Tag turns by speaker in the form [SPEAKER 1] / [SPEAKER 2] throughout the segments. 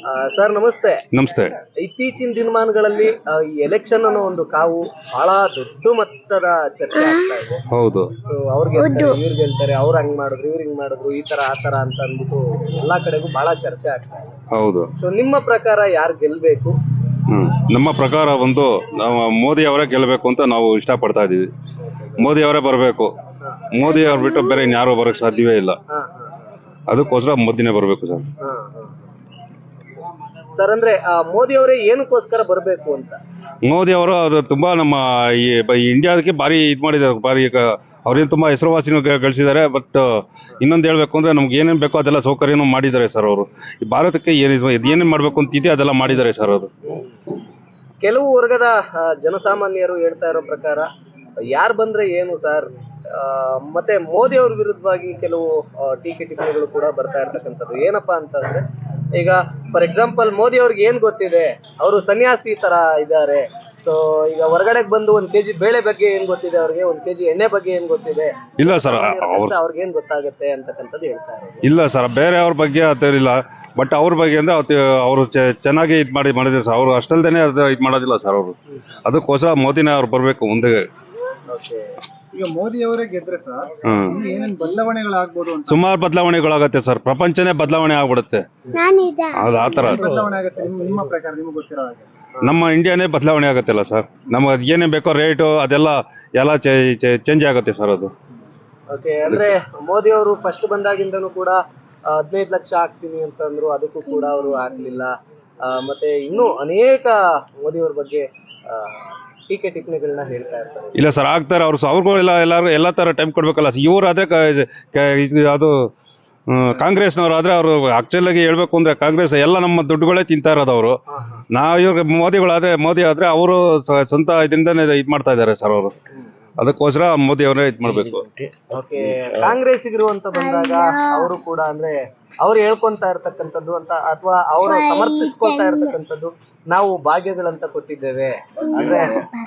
[SPEAKER 1] Sir ನಮಸ್ತೆ.
[SPEAKER 2] ನಮಸ್ತೆ.
[SPEAKER 1] ಇತ್ತೀಚಿನ ದಿನಮಾನಗಳಲ್ಲಿ ಈ ಎಲೆಕ್ಷನ್ ಅನ್ನೋ ಒಂದು ಕಾವು ಬಹಳ ದೊಡ್ಡ ಮಟ್ಟದ ಚರ್ಚೆ ಆಗ್ತಾ ಇದೆ.
[SPEAKER 2] ಹೌದು.
[SPEAKER 1] ಸೊ ಅವ್ರಿಗೆ ಇವ್ರಿಗೆ ಹೇಳ್ತಾರೆ, ಅವ್ರು ಹಂಗ್ ಮಾಡಿದ್ರು, ಇವ್ರು ಹಿಂಗ್ ಮಾಡಿದ್ರು, ಈ ತರ ಆ ತರ ಅಂತ ಅಂದ್ಬಿಟ್ಟು ಎಲ್ಲಾ ಕಡೆಗೂ ಬಹಳ ಚರ್ಚೆ ಆಗ್ತಾ ಇದೆ.
[SPEAKER 2] ಹೌದು.
[SPEAKER 1] ಸೊ ನಿಮ್ಮ ಪ್ರಕಾರ ಯಾರು ಗೆಲ್ಬೇಕು?
[SPEAKER 2] ನಮ್ಮ ಪ್ರಕಾರ ಒಂದು ನಾವು ಮೋದಿ ಅವರೇ ಗೆಲ್ಲಬೇಕು ಅಂತ ನಾವು ಇಷ್ಟಪಡ್ತಾ ಇದೀವಿ. ಮೋದಿ ಅವರೇ ಬರಬೇಕು. ಮೋದಿ ಅವ್ರು ಬಿಟ್ಟು ಬೇರೆ ಇನ್ಯಾರು ಬರೋಕ್ ಸಾಧ್ಯವೇ ಇಲ್ಲ. ಅದಕ್ಕೋಸ್ಕರ ಮೋದಿನೇ ಬರಬೇಕು ಸರ್.
[SPEAKER 1] ಸರ್ ಅಂದ್ರೆ ಮೋದಿ ಅವರೇ ಏನಕ್ಕೋಸ್ಕರ ಬರಬೇಕು ಅಂತ?
[SPEAKER 2] ಮೋದಿ ಅವರು ಅದು ತುಂಬಾ ನಮ್ಮ ಈ ಇಂಡಿಯಾದಕ್ಕೆ ಭಾರಿ ಇದು ಮಾಡಿದ್ದಾರೆ. ಭಾರಿ ಅವ್ರೇನು ತುಂಬಾ ಹೆಸರುವಾಸಿನೂ ಗಳಿಸಿದ್ದಾರೆ. ಬಟ್ ಇನ್ನೊಂದು ಹೇಳ್ಬೇಕು ಅಂದ್ರೆ ನಮ್ಗೆ ಏನೇನು ಬೇಕೋ ಅದೆಲ್ಲ ಸೌಕರ್ಯನೂ ಮಾಡಿದ್ದಾರೆ ಸರ್ ಅವರು. ಈ ಭಾರತಕ್ಕೆ ಏನೇನು ಮಾಡ್ಬೇಕು ಅಂತಿದೆ ಅದೆಲ್ಲ ಮಾಡಿದ್ದಾರೆ ಸರ್ ಅವರು.
[SPEAKER 1] ಕೆಲವು ವರ್ಗದ ಜನಸಾಮಾನ್ಯರು ಹೇಳ್ತಾ ಇರೋ ಪ್ರಕಾರ ಯಾರು ಬಂದ್ರೆ ಏನು ಸರ್, ಮತ್ತೆ ಮೋದಿ ಅವ್ರ ವಿರುದ್ಧವಾಗಿ ಕೆಲವು ಟೀಕೆ ಟಿಪ್ಪಣಿಗಳು ಕೂಡ ಬರ್ತಾ ಇರ್ತಕ್ಕಂಥದ್ದು. ಏನಪ್ಪಾ ಅಂತಂದ್ರೆ, ಈಗ ಫಾರ್ ಎಕ್ಸಾಂಪಲ್ ಮೋದಿ ಅವ್ರಿಗೆ ಏನ್ ಗೊತ್ತಿದೆ, ಅವರು ಸನ್ಯಾಸಿ ತರ ಇದ್ದಾರೆ. ಸೊ ಈಗ ಹೊರಗಡೆಗೆ ಬಂದು 1 kg ಬೇಳೆ ಬಗ್ಗೆ ಏನ್ ಗೊತ್ತಿದೆ ಅವ್ರಿಗೆ, 1 kg ಎಣ್ಣೆ ಬಗ್ಗೆ ಏನ್ ಗೊತ್ತಿದೆ?
[SPEAKER 2] ಇಲ್ಲ ಸರ್,
[SPEAKER 1] ಅವ್ರಿಗೆ ಏನ್ ಗೊತ್ತಾಗುತ್ತೆ ಅಂತಕ್ಕಂಥದ್ದು ಹೇಳ್ತಾ ಇರೋದು.
[SPEAKER 2] ಇಲ್ಲ ಸರ್, ಬೇರೆ ಅವ್ರ ಬಗ್ಗೆ ಇಲ್ಲ. ಬಟ್ ಅವ್ರ ಬಗ್ಗೆ ಅಂದ್ರೆ ಅವರು ಚೆನ್ನಾಗಿ ಇದು ಮಾಡಿದ್ರೆ ಸರ್. ಅವರು ಅಷ್ಟಲ್ದೇನೆ ಇದು ಮಾಡೋದಿಲ್ಲ ಸರ್ ಅವರು. ಅದಕ್ಕೋಸ್ಕರ ಮೋದಿನೇ ಅವ್ರು ಬರ್ಬೇಕು ಮುಂದೆ.
[SPEAKER 3] ಈಗ ಮೋದಿ ಅವರೇ ಗೆದ್ರೆ ಸರ್ ಏನೇನ್ ಬದಲಾವಣೆಗಳಾಗ್ಬೋದು?
[SPEAKER 2] ಸುಮಾರು ಬದಲಾವಣೆಗಳಾಗತ್ತೆ ಸರ್. ಪ್ರಪಂಚನೇ ಬದಲಾವಣೆ ಆಗ್ಬಿಡುತ್ತೆ. ಅದು ಆತರ
[SPEAKER 3] ಬದಲಾವಣೆ ಆಗುತ್ತೆ ನಿಮ್ಮ ಪ್ರಕಾರ, ನಿಮ್ಗೆ ಗೊತ್ತಿರೋ ಹಾಗೆ?
[SPEAKER 2] ನಮ್ಮ ಇಂಡಿಯಾನೇ ಬದಲಾವಣೆ ಆಗುತ್ತಲ್ಲ ಸರ್. ನಮ್ಗೆ ಏನೇ ಬೇಕೋ ರೇಟು ಅದೆಲ್ಲ ಚೇಂಜ್ ಆಗುತ್ತೆ ಸರ್ ಅದು.
[SPEAKER 1] ಓಕೆ, ಅಂದ್ರೆ ಮೋದಿ ಅವರು ಫಸ್ಟ್ ಬಂದಾಗಿಂದನೂ ಕೂಡ 15 ಲಕ್ಷ ಹಾಕ್ತೀನಿ ಅಂತಂದ್ರು, ಅದಕ್ಕೂ ಕೂಡ ಅವರು ಹಾಕ್ಲಿಲ್ಲ. ಮತ್ತೆ ಇನ್ನೂ ಅನೇಕ ಮೋದಿ ಅವ್ರ ಬಗ್ಗೆ ಟೀಕೆ ಟಿಪ್ಪಣಿಗಳನ್ನ ಹೇಳ್ತಾ ಇರ್ತಾರೆ.
[SPEAKER 2] ಇಲ್ಲ ಸರ್, ಆಗ್ತಾರೆ ಅವ್ರಿಗೂ ಎಲ್ಲ ತರ ಟೈಮ್ ಕೊಡ್ಬೇಕಲ್ಲ. ಇವ್ರು ಅದೇ ಅದು ಕಾಂಗ್ರೆಸ್ನವ್ರು ಆದ್ರೆ ಅವರು ಆಕ್ಚುಲ್ ಆಗಿ ಹೇಳ್ಬೇಕು ಅಂದ್ರೆ ಕಾಂಗ್ರೆಸ್ ಎಲ್ಲ ನಮ್ಮ ದುಡ್ಡುಗಳೇ ತಿಂತಾ ಇರೋದು ಅವರು. ಇವಾಗ ಮೋದಿ ಆದ್ರೆ ಅವರು ಸ್ವಂತ ಇದರಿಂದನೇ ಇದು ಮಾಡ್ತಾ ಇದ್ದಾರೆ ಸರ್ ಅವರು. ಅದಕ್ಕೋಸ್ಕರ ಮೋದಿ ಅವರೇ ಇದು ಮಾಡ್ಬೇಕು.
[SPEAKER 1] ಓಕೆ, ಕಾಂಗ್ರೆಸ್ಸಿಗರು ಅಂತ ಬಂದಾಗ ಅವರು ಕೂಡ ಅಂದ್ರೆ ಅವ್ರು ಹೇಳ್ಕೊಂತ ಇರ್ತಕ್ಕಂಥದ್ದು ಅಂತ, ಅಥವಾ ಅವರು ಸಮರ್ಥಿಸ್ಕೊಳ್ತಾ ಇರ್ತಕ್ಕಂಥದ್ದು, ನಾವು ಭಾಗ್ಯಗಳಂತ ಕೊಟ್ಟಿದ್ದೇವೆ ಅಂದ್ರೆ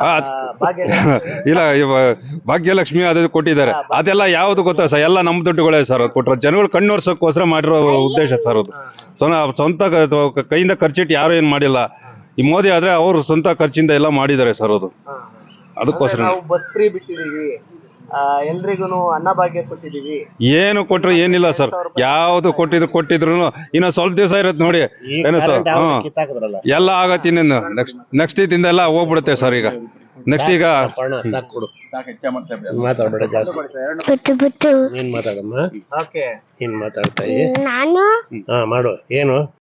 [SPEAKER 2] ಇಲ್ಲ, ಭಾಗ್ಯಲಕ್ಷ್ಮಿ ಅದು ಕೊಟ್ಟಿದ್ದಾರೆ. ಅದೆಲ್ಲ ಯಾವ್ದು ಗೊತ್ತಾ ಸರ್, ಎಲ್ಲ ನಮ್ಮ ದುಡ್ಡುಗಳೇ ಸರ್ ಕೊಟ್ಟರು. ಜನಗಳು ಕಣ್ಣೋರ್ಸೋಕ್ಕೋಸ್ಕರ ಮಾಡಿರೋ ಉದ್ದೇಶ ಸರ್ ಅದು. ಸ್ವಂತ ಕೈಯಿಂದ ಖರ್ಚಿಟ್ಟು ಯಾರು ಏನ್ ಮಾಡಿಲ್ಲ. ಈ ಮೋದಿ ಆದ್ರೆ ಅವರು ಸ್ವಂತ ಖರ್ಚಿಂದ ಎಲ್ಲ ಮಾಡಿದ್ದಾರೆ ಸರ್ ಅದು. ಅದಕ್ಕೋಸ್ಕರ
[SPEAKER 1] ನಾವು ಬಸ್ ಫ್ರೀ ಬಿಟ್ಟಿದೀವಿ, ಎಲ್ರಿಗೂ ಅನ್ನಭಾಗ್ಯ ಕೊಟ್ಟಿದೀವಿ.
[SPEAKER 2] ಏನು ಕೊಟ್ರು ಏನಿಲ್ಲ ಸರ್. ಯಾವ್ದು ಕೊಟ್ಟಿದ್ರು ಇನ್ನ ಸ್ವಲ್ಪ ದಿವಸ ಇರತ್ತೆ ನೋಡಿ. ಏನು ಸರ್, ಎಲ್ಲ ಆಗತ್ತೆ. ಇನ್ನೇನು ನೆಕ್ಸ್ಟ್ ಇದಿಂದ ಎಲ್ಲ ಹೋಗ್ಬಿಡುತ್ತೆ ಸರ್. ಈಗ ನೆಕ್ಸ್ಟ್ ಈಗ
[SPEAKER 4] ಮಾತಾಡ್ಬೇಡ ಜಾಸ್ತಿ. ನೀನ್ ಮಾತಾಡಮ್ಮ.
[SPEAKER 1] ಓಕೆ,
[SPEAKER 4] ನೀನ್ ಮಾತಾಡ್ತಾ ಮಾಡು ಏನು